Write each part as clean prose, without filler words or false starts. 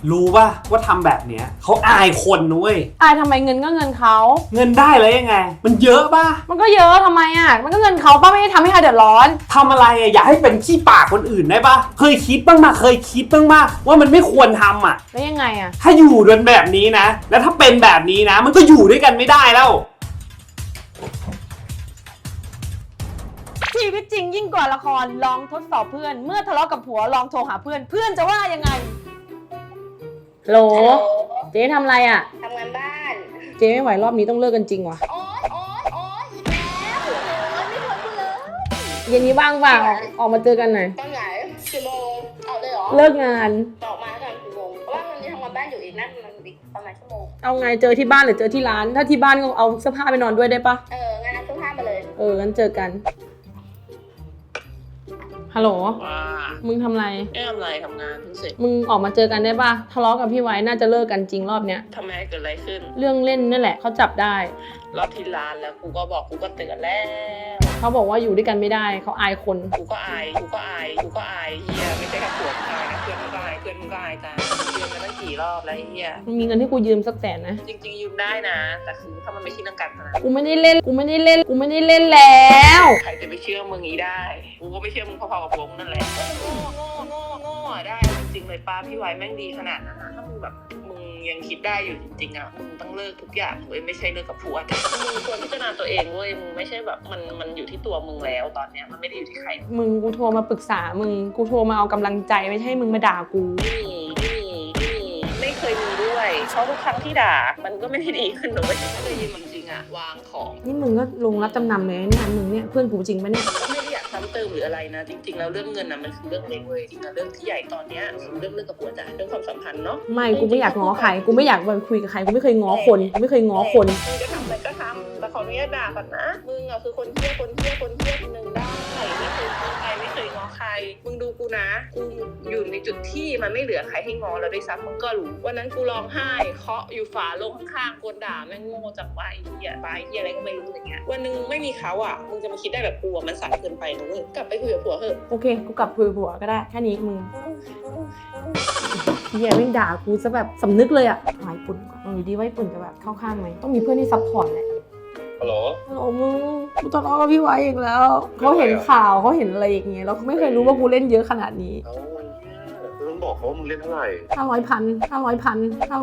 รู้ป่ะว่าทำแบบเนี้ยเขาอายคนนุ้ยอายทำไมเงินก็เงินเขาเงินได้แล้วยังไงมันเยอะป่ะมันก็เยอะทำไมอ่ะมันก็เงินเขาป้าไม่ได้ทำให้ใครเดือดร้อนทำอะไรอ่ะอย่าให้เป็นขี้ปากคนอื่นได้ป่ะเคยคิดบ้างมาว่ามันไม่ควรทำอ่ะแล้วยังไงอ่ะถ้าอยู่กันแบบนี้นะแล้วถ้าเป็นแบบนี้นะมันก็อยู่ด้วยกันไม่ได้แล้วชีวิตจริงยิ่งกว่าละครลองทดสอบเพื่อนเมื่อทะเลาะกับผัวลองโทรหาเพื่อนเพื่อนจะว่ายังไงโหลเจ๊ทำอะไรอ่ะทำงานบ้านเจ๊ไม่ไหวรอบนี้ต้องเลิกกันจริงว่ะโอ๊ยอีกแล้วไม่ทนกูเลยเย็นนี้ว่างเปล่าออกมาเจอกันหน่อยตอนไหนกี่โมงเอาเลยเหรอเลิกงานออกมาตอนกี่โมงเพราะว่ามันยังทำงานบ้านอยู่อีกนั่นมันอีกประมาณชั่วโมงเอาไงเจอที่บ้านหรือเจอที่ร้านถ้าที่บ้านก็เอาเสื้อผ้าไปนอนด้วยได้ปะงั้นเอาเสื้อผ้ามาเลยงั้นเจอกันฮัลโหลว่ามึงทำไรไม่ทำไรทำงานเพิ่งเสร็จมึงออกมาเจอกันได้ปะทะเลาะกับพี่ไว้น่าจะเลิกกันจริงรอบเนี้ยทำไมเกิดอะไรขึ้นเรื่องเล่นนั่นแหละเขาจับได้รอบที่ร้านแล้วกูก็บอกกูก็เตือนแล้วเขาบอกว่าอยู่ด้วยกันไม่ได้เขาอายคนกูก็อายเฮียไม่ใช่แค่ผัวมึงอายนะเพื่อนมึงก็อายเพื่อนมึงก็อายจ้าเตือนมาตั้งกี่รอบแล้วเฮียมึงมีเงินให้กูยืมสักแสนนะจริงๆยืมได้นะแต่คือถ้ามันไม่ใช่เรื่องการพนันกูไม่ได้เล่นแล้วใครจะไปเชื่อมึงงี้ได้กูก็ไม่เชื่อมึงพอๆกับผัวมึงนั่นแหละโง่ได้จริงๆเลยป้าพี่ไว้แม่งดีขนาดนั้นนะถ้ามึงแบบมึงยังคิดได้อยู่จริงๆอ่ะมึงต้องเลิกทุกอย่างเว้ยไม่ใช่เลิกกับผัวแต่มึงควรพิจารณาตัวเองเว้ยมึงไม่ใช่แบบมันอยู่ที่ตัวมึงแล้วตอนเนี้ยมันไม่ได้อยู่ที่ใครมึงกูโทรมาปรึกษามึงกูโทรมาเอากำลังใจไม่ใช่มึงมาด่ากูไม่เคยมีด้วยเพราะทุกครั้งที่ด่ามันก็ไม่ได้ดีขึ้นหรอกถ้าเลยยืมจริงอ่ะวางของนี่มึงก็ลงรับจำนำเลยเนี่ยมึงเนี่ยเพื่อนกูจริงปะเนี่ยไม่ได้อยากซ้ำเติมหรืออะไรนะจริงๆแล้วเรื่องเงินน่ะมันคือเรื่องเล็กเว้ยจริงๆเรื่องที่ใหญ่ตอนเนี้ยคือเรื่องกับผัวจ่ายเรื่องความสัมพันธ์เนาะไม่กูไม่อยากง้อใครกูไม่อยากไปคุยกับใครกูไม่เคยง้อคนมึงจะทำอะไรก็ทำแต่ขออนุญาตด่าก่อนนะมึงอ่ะคือคนเที่ยวคนนึงได้ไม่เคยง้อใครไม่เคยง้อใครมึงดูกูนะกูอยู่ในจุดที่มันไม่เหลือใครให้ง้อแล้วด้วยซ้ำมึงก็รู้วันนั้นกูร้องไห้เคาะอยู่ฝาโลงข้างๆกวนด่าแม่งโง่จังไปเหี้ยตายเหี้ยอะไรก็ไม่รู้อย่างเงี้ยวันนึงไม่มีเขาอ่ะมึงจะมาคิดได้แบบกูมันสายเกินไปนะเว้ยกลับไปคุยกับผัวเถอะโอเคกูกลับคุยกับผัวก็ได้แค่นี้มึงเหี้ยแม่งด่ากูซะแบบสำนึกเลยอ่ะหายปุ่นก่อนลองดูดิว่าปุ่นจะแบบเข้าข้างไหมต้องมีเพื่อนที่ซัพพอร์ตแหละฮัลโหลมึงกูทะเลาะกับพี่ไว้อีกแล้วเขาเห็นข่าวเขาเห็นอะไรอย่างเงี้ยแล้วเขาไม่เคยรู้ว่ากูเล่นเยอะขนาดนี้ต้องบอกเขาว่ามึงเล่นเท่าไหร่ 500,000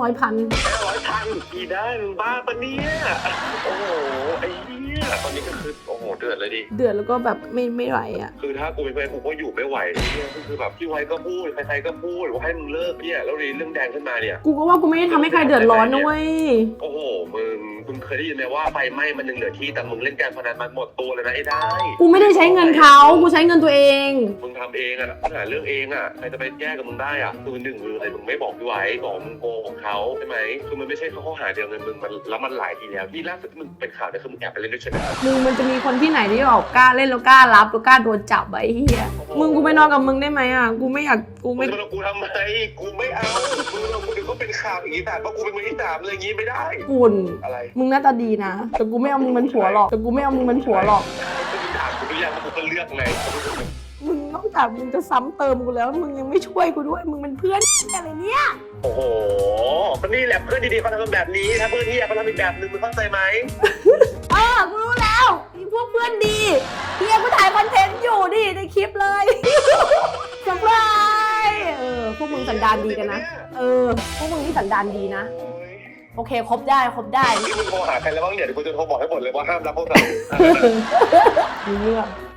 กี่ได้มึงบ้าปะเนี่ยโอ้โหไอ้เนี่ยตอนนี้ก็คือโอ้โหเดือดเลยดิเดือดแล้วก็แบบไม่ไหวอ่ะคือถ้ากูเป็นแฟนกูก็อยู่ไม่ไหวเนี่ยคือแบบพี่ไว้ก็พูดใครๆก็พูดว่าให้มึงเลิกเนี่ยแล้วเรื่องแดงขึ้นมาเนี่ยกูก็ว่ากูไม่ได้ทำให้ใครเดือดร้อนนะเว้ยโอ้โหมึงเคยได้ยินไหมว่าไฟไหม้มันยังเหลือที่แต่มึงเล่นการพนันมันหมดตัวเลยนะไอ้ได้กูไม่ได้ใช้เงินเขากูใช้เงินตัวเองมึงทำเองอะหาเรื่องเองอะใครจะไปแก้กับมึงได้อะคือหนึ่งคืออะไรมึงไม่บอกพี่ไว้บอกมึงโกหกเขาใช่ไหมคือมันไม่ใช่ข้อหาเดียวเงินมึงมันแล้วมันหลายทีแล้วที่ล่าสุดมึงเป็นข่าวเนี่ยคือมึงแอบไปเล่นด้วยใช่ไหมมึงมันจะมีคนที่ไหนที่บอกกล้าเล่นแล้วกล้ารับแล้วกล้าโดนจับไอ้เหี้ยมึงกูไปนอนกับมึงได้ไหมอะกูไม่อยากกูทำไมกูไม่เอากูเดี๋ยวก็เป็นข่าวอีกแต่ว่ากูเป็นมือที่สามอะไรอย่างงี้ไม่ได้คุณอะไรมึงหน้าตาดีนะแต่กูไม่เอามึงเป็นผัวหรอกกูไม่เอามึงเป็นผัวหรอกถามกูหรือยังว่ากูก็เลือกไงมึงนอกจากมึงจะซ้ำเติมกูแล้วมึงยังไม่ช่วยกูด้วยมึงเป็นเพื่อนอะไรเนี่ยโอ้โหมันนี่แหละเพื่อนดีๆเขาทำแบบนี้ถ้าเพื่อนที่เขาทำอีกแบบนึงมึงเข้าใจไหมกูรู้แล้วมีพวกเพื่อนดีเฮียกูถ่ายคอนเทนต์อยู่ดิในคลิปเลยสบายพวกมึงสันดานดีกันนะพวกมึงนี่สันดานดีนะโอเคครบได้นี่มึงโทรหาใครแล้วบ้างเนี่ยเดี๋ยวกูจะโทรบอกให้หมดเลยว่าห้ามรับพวกเรามีเรื่อง